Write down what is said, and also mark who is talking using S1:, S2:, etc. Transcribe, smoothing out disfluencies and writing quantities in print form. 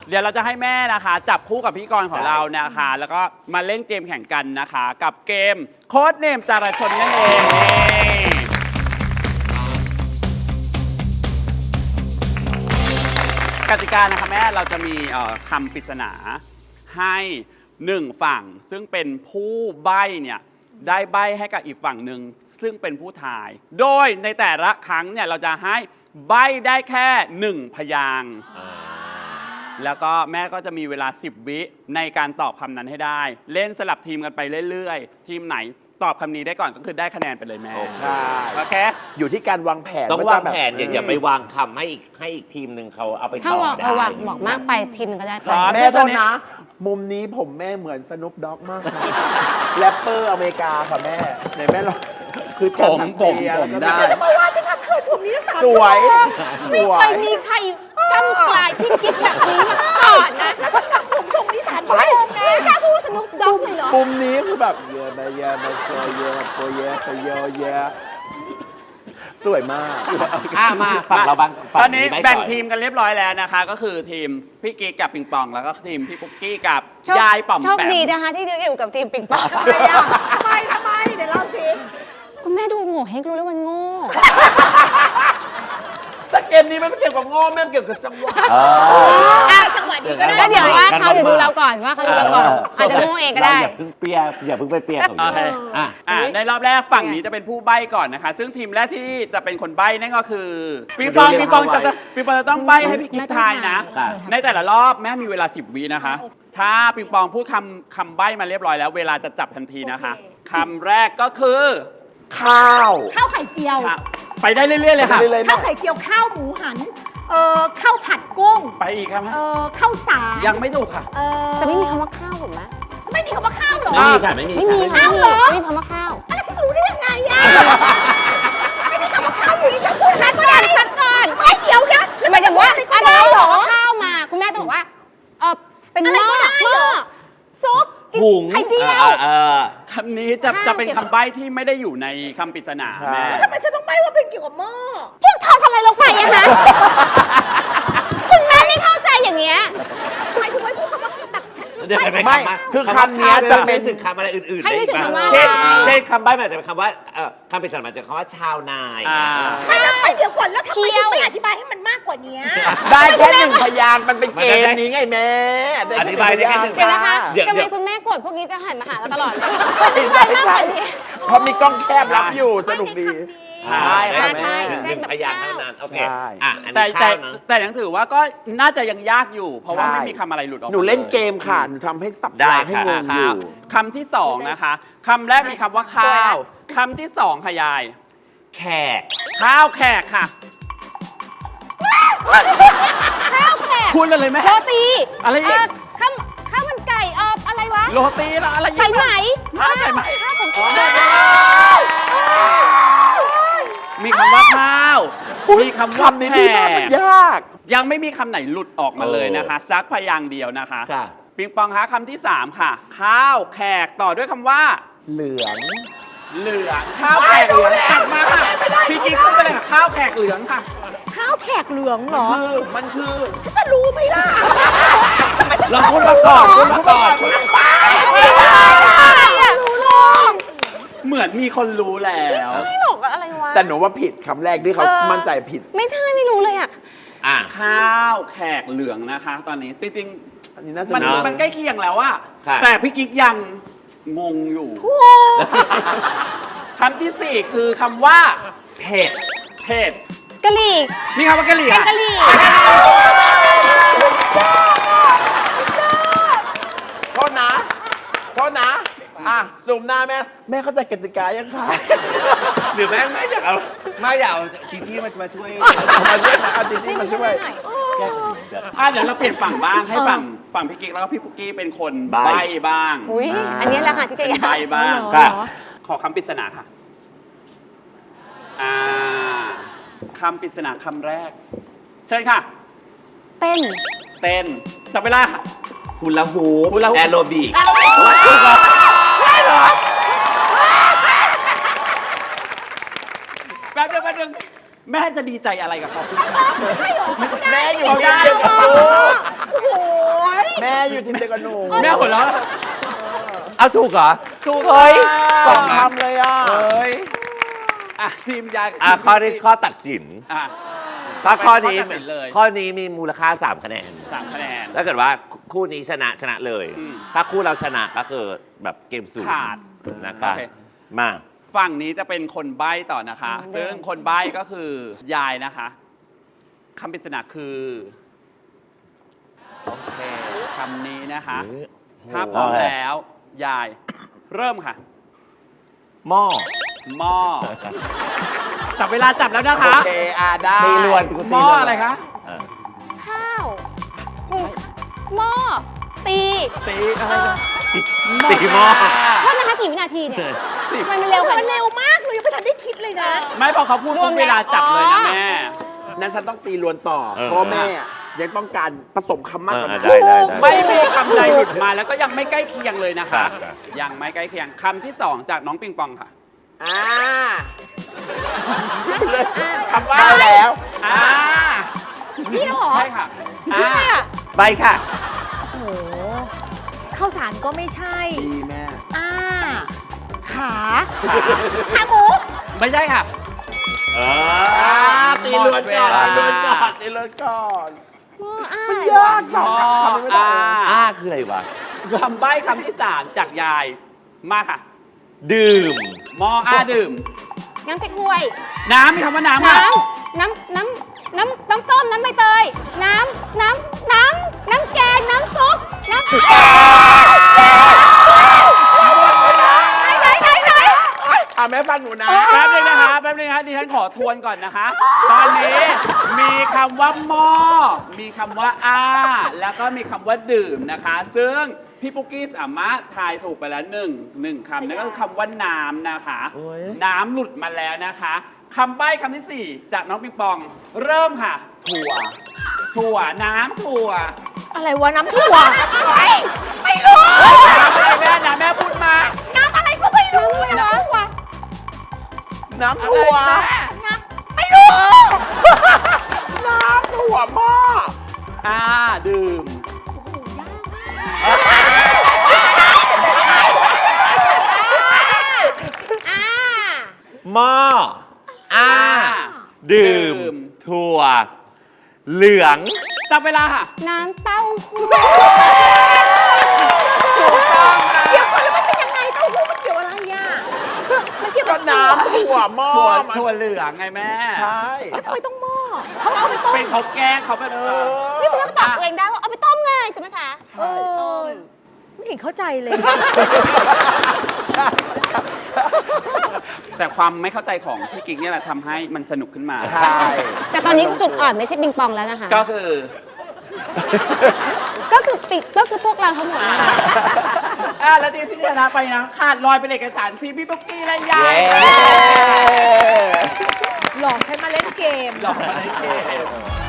S1: เดี๋ยวเราจะให้แม่นะคะจับคู่กับพี่กรณ์ของเรานะคะแล้วก็มาเล่นเกมแข่งกันนะคะกับเกมโค้ดเนมจารชนนั่นเองกติกานะคะแม่เราจะมีคำปริศนาให้1ฝั่งซึ่งเป็นผู้ใบ้เนี่ยได้ใบ้ให้กับอีกฝั่งหนึ่งซึ่งเป็นผู้ทายโดยในแต่ละครั้งเนี่ยเราจะให้ใบ้ได้แค่1พยางค์แล้วก็แม่ก็จะมีเวลา10วิในการตอบคำนั้นให้ได้เล่นสลับทีมกันไปเรื่อยๆทีมไหนตอบคำนี้ได้ก่อนก็คือได้คะแนนไปเลยแม่
S2: ใช่
S1: โอเค
S2: อยู่ที่การวางแผน
S3: ต้องวางแผนอย่าไปวางคำให้อีกทีมหนึ่งเขาเอาไปต่อได้ถ้าวาง
S4: บอกมากไปทีมหนึ่งก็ได้
S2: แม่โทษนะมุมนี้ผมแม่เหมือนสนุปด็อกมากนะแรปเปอร์อเมริกาค่ะแม่ไหนแม่ลองคือ
S1: ผมได้
S4: เพราะว่าฉันทำเคยผมนี้ตั้งแต่
S2: สวย
S4: ไม่เคยมีใครกำกลายพี่กิ๊กแบบนี้มาก่อนนะแล้วฉันทำผมทรงนี้3 ชั่วโมงนะกล้าพูดสนุกด็อกเลยเหรอ
S2: มุมนี้คือแบบเยอะมาเยอะมาโซเยอะโปเยอะโปเยอะเยอะสวยมาก
S3: มาฝั่งเราบ้าง
S1: ตอนนี้แบ่งทีมกันเรียบร้อยแล้วนะคะก็คือทีมพี่กิ๊กกับปิงปองแล้วก็ทีมพี่ปุ๊กกี้กับยายป๋อมแปม
S4: โชคดีนะคะที่อยู่กับทีมปิงปองทำไมเดี๋ยวเล่าสิคุณแม่ดูโง่เฮงรู้แล้วมันโง่
S2: แต่เกมนี้ไม่เกี่ยวกับโง่แม่เกี่ยวกับจังหวะ
S4: จังหวะดีก็ได้เดี๋ยวว่าเขาจะดูเราก่อนว่าเขาดูเราก่อนอาจจะโง่เองก็ได้
S3: อย่าเพิ่งเปียอย่าเพิ่งไปเปียกับ
S1: ในรอบแรกฝั่งนี้จะเป็นผู้ใบ้ก่อนนะคะซึ่งทีมแรกที่จะเป็นคนใบ้นั่นก็คือปิงปองจะต้องใบ้ให้พี่กิ๊กทายนะในแต่ละรอบแม่มีเวลา10วินะคะถ้าปิงปองพูดคำใบ้มาเรียบร้อยแล้วเวลาจะจับทันทีนะคะคำแรกก็คือ
S2: ข้าว
S4: ไข่เจียว
S1: ไปได้เรื่อยๆเลยค่ะ
S4: ข้าวไข่เจียวข้าวหมูหันข้าวผัดกุ้ง
S1: ไปอีกครับ
S4: ข้าวสาร
S1: ยังไม่ถูกค่ะ
S4: จะไม่มีคำว่าข้าวหรือไหมไม่มีคำว่าข้าวหรอ
S3: ไม่มี
S4: ข้าวหรอ
S3: ไม่
S4: มีคำว่าข้าวอะไรจะรู้ได้ยังไงอะไม่มีคำว่าข้าวอยู่ที่ฉันพูดคัดก่อนไม่เดี๋ยวนะหมายถึงว่าอะไรหรอข้าวมาคุณแม่ต้องบอกว่าเป็นหม้อซุปไข่เจียว
S1: คำนี้จะเป็นคำใบ้ที่ไม่ได้อยู่ในคำปริศนาแม่
S4: ทำไมฉันต้องใบ้ว่าเป็นเกี่ยวกับหม้อพวกเธอทำอะไรลงไปอะคะคุณแม่ไม่เข้าใจอย่างเงี้ยหมายถึงว่าพูดคำว่าแบบ
S2: ไม่คือคำนี้จะเป็น
S3: ถึงคำอะไรอื่นๆ
S4: ให้นึกถึงคำว่า
S3: เช่นคำใบ้มันจะเป็นคำว่าคำปริศนาจะคำว่าชาวนาย
S4: ไม่ต้องไปเดี๋ยวก่อนแล้วทำไมไม่อธิบายให้มันมากกว่านี้
S2: ได้แค่1พยางค์มันเป็นเกมนี้ไงแม่
S3: อธิบายได้แค่1
S4: เดี๋ยวนะคะทำไมคุณแม่กดพวกนี้จะหันมาหาเราตลอดเลย
S2: ใช่เพราะมีกล้องแคบรับอยู่สนุกดี
S4: ใช่
S3: พยางค์เท่านั้นโอเค
S1: แต่ยังถือว่าก็น่าจะยังยากอยู่เพราะว่าไม่มีคำอะไรหลุดออกมา
S2: หนูเล่นเกมค่ะหนูทำให้สับได้ให้งงอยู่
S1: คำที่2นะคะคำแรกมีคำว่าข้าวคำที่2ค่ะยาย
S3: แขก
S1: ข้าวแขกค่ะ
S4: ข้าวแขก
S1: พูดเลยไหม
S4: โรตี
S1: อะไรอีก
S4: ข้าวมันไก่อะไรวะ
S1: โรตีแล้วอะไร
S4: ใส่ไหม
S1: ใส่ไหมมีคำว่าข้าวมีคำว่าแขก
S2: ยาก
S1: ยังไม่มีคำไหนหลุดออกมาเลยนะคะซักพยางค์เดียวนะคะปิงปองคะคำที่3ค่ะข้าวแขกต่อด้วยคำว่า
S2: เหลือง
S1: ข้าวแขกเหลืองตัดมาค่ะพี่กิ๊กพูดไปเลยค่ะข้าวแขกเหลืองค่ะ
S4: ข้าวแขกเหลืองเหรอ
S2: มันคือ
S4: ฉันจะรู้ไหมล่ะ
S1: เราพูดมาก่อนเหมือนมีคนรู้แล้ว
S4: ไม่ใช่หรอกอะไรวะ
S2: แต่หนูว่าผิดคำแรกที่เขามั่นใจผิด
S4: ไม่ใช่ไม่รู้เลยอ่ะ
S1: ข้าวแขกเหลืองนะคะตอนนี้จริงๆมันใกล้เคียงแล้วอะแต่พี่กิ๊กยังงงอยู่คำที่4คือคำว่าเผ็ด
S4: กะหรี่
S1: มีคำว่ากะหรี่
S4: กะหรี่
S2: โทษนะซูมหน้าแม่เข้าใจกติกายังคะ
S3: หรือแม่ไม่อยากเอาจีจี้มาช่วย
S2: เอาจีจี้มาช่วย
S1: เดี๋ยวเราเปลี่ยนฝั่งบ้างให้ฝั่งพี่กิ๊กแล้วก็พี่ปุ๊กกี้เป็นคนใบ้บ้าง
S4: อันนี้แหละค่ะที่จะยาก
S1: ใบ้บ้างขอคำปริศนาค่ะคำปริศนาคำแรกเชิญค่ะ
S4: เต้น
S1: จับเวลาค่ะ
S3: ฮูลาฮูปแอโรบิก
S1: ได้เหรอแป๊บนึงแม่จะดีใจอะไรกับเขา
S2: แม่อยู่ได้กับลูกอยู่ทีมเดียวกับหนู
S1: แม่หัวเราะ
S3: เอาถูกเหรอ
S1: ถูก
S3: เฮ้ย
S2: สองคำเลยอ่ะ
S3: เฮ้ย
S1: อ่ะทีมยายกับ
S3: ข้อนี้ข้อตัดสิน
S1: อ่ะ
S3: ถ้าข้อนี้
S1: เป็นข้อตัดสินเลย
S3: ข้อนี้มีมูลค่า 3 คะแนน
S1: 3 คะแนน
S3: ถ้าเกิดว่าคู่นี้ชนะเลย
S1: อืม
S3: ถ้าคู่เราชนะก็คือแบบเกมสูง
S1: ขาด
S3: นะคะ
S1: โอเค
S3: มา
S1: ฝั่งนี้จะเป็นคนใบ้ต่อนะคะ ซึ่งคนใบ้ก็คือยายนะคะคำปริศนาคือ โอเคคำนี้นะคะ ถ้าพร้อมแล้ว ยาย เริ่มค่ะ
S3: หม้อ
S1: หม้อจับเวลาจับแล้วนะ
S2: โอ
S1: คะ
S2: เคได้
S3: ตีลวน
S1: หม้ออะไรคะ
S4: ข้าวหม้อตี
S1: ตีอะไร
S3: ตีหม้อ
S4: โทษนะคะกี่วินาทีเนี่ยมันเร็วมันเร็วมากเลยยังไม่ทันได้คิดเลยนะ
S1: ไม่พอเขาพูด
S4: รว
S1: ปุ๊
S4: ม
S1: บ
S4: แล้ว
S1: เวลาจับเลยนะแม่
S2: นั้นฉันต้องตีลวนต่อ
S3: เออ
S2: เพราะว่าแม่อะยังต้องการผสมคำมากกว่านั้น
S3: ได้ได้
S1: ไม่มีคำใดหลุดมาแล้วก็ยังไม่ใกล้เคียงเลยนะคะ
S3: ครับ
S1: ยังไม่ใกล้เคียงคำที่ 2 จากน้องปิงปองค่ะ
S2: อ่า
S1: คำว่า
S2: ได้แล้ว
S1: อ่า
S4: นี่เหรอ
S1: ใช่ค่ะ
S4: นี่
S1: อ่า
S4: ค่ะ
S3: ไปค่ะ
S5: โอ้โหข้าวสารก็ไม่ใช่
S2: ดีแม่
S5: อ่า ขา
S4: ขาหมู
S1: ไม่ใช่ค่ะ
S2: ตีลวนก่อน
S1: หม
S2: ตี
S1: ด
S2: ล
S1: เว
S2: วน
S1: ลา
S2: ก่อนตีลวนก่อน
S4: หม้ออ้า
S2: มัน
S4: ย
S2: ยากสองคำทำไม่ได้
S3: อ้าคืออะไรวะ
S1: คำใบ้คำที่ 3 จากยาย มาค่ะ
S3: ดื่ม
S1: มออาดื่ม
S4: น้ำเก๊กฮวย
S1: น้ำมีคำว่าน้ำค่ะ
S4: น้ำต้ม น้ำใบเตย น้ำแกง น้ำซุป น้ำไหน
S2: อ่ะแม่ฟังหนูนะ
S1: แป๊บนึงนะคะแป๊บนึงนะคะดิฉันขอทวนก่อนนะคะ ตอนนี้มีคำว่าหม้อมีคำว่าอ้า แล้วก็มีคำว่าดื่มนะคะ ซึ่งพี่ปุ๊กกี้สามารถทายถูกไปแล้วหนึ่งคำนั่นก็คือคำว่าน้ำนะคะ
S3: โอ้ย
S1: น้ำหลุดมาแล้วนะคะคำใบ้คำที่ 4 จากน้องปิงปอง เริ่มค่ะ ถั่วน้ำถั่ว
S5: อะไรวะน้ำถั่ว
S4: ไม่รู้
S1: น้ำอะไรแม่น้ำแม่พูดมา
S4: น้ำอะไรก็ไม่รู้นะ
S2: น้ำถั่ว
S4: ไม่รู้
S2: น้ำถั่วหม้อ
S1: อ่าดื่ม
S4: อ่า
S3: หม้ออ้า ดื่ม ถั่ว เหลือง
S1: จับเวลาค่ะ
S4: น้ำเต้าหู้
S5: เดี๋ยวก่อนแล้วมันเป็นยังไงเต้าหู้มันเกี่ยวอะไรอ่ะ มันเกี่ยว
S2: ก็
S5: กับ
S2: น้ำถั่วหม้อ
S1: ถั่วเหลืองไงแม่
S2: ใช่
S5: แล้วทำไมต้องหม้อเขาเอาไปต้ม
S1: เป็นเขาแกล้งเขาแบบ
S4: นี่คุณแม่ก็ตอบตัวเองได้ว่าเอาไปต้มไงใช่ไหมคะ
S5: เออไม่เห็นเข้าใจเลย
S1: แต่ความไม่เข้าใจของพี่กิ๊กเนี่ยแหละทำให้มันสนุกขึ้นมา
S2: ใช่
S4: แต่ตอนนี้จุดอ่อนไม่ใช่ปิงปองแล้วนะคะ
S1: ก็คือ
S4: ก็คือพวกเราทั้งหมดนะคะ
S1: แล้วทีมที่ชนะไปนะขาดลอยเป็นเอกฉันท์ทีมพี่ปุ๊กกี้และยาย
S3: เย้
S5: หลอกใช้มาเล่นเกม
S1: หลอกมาในเกม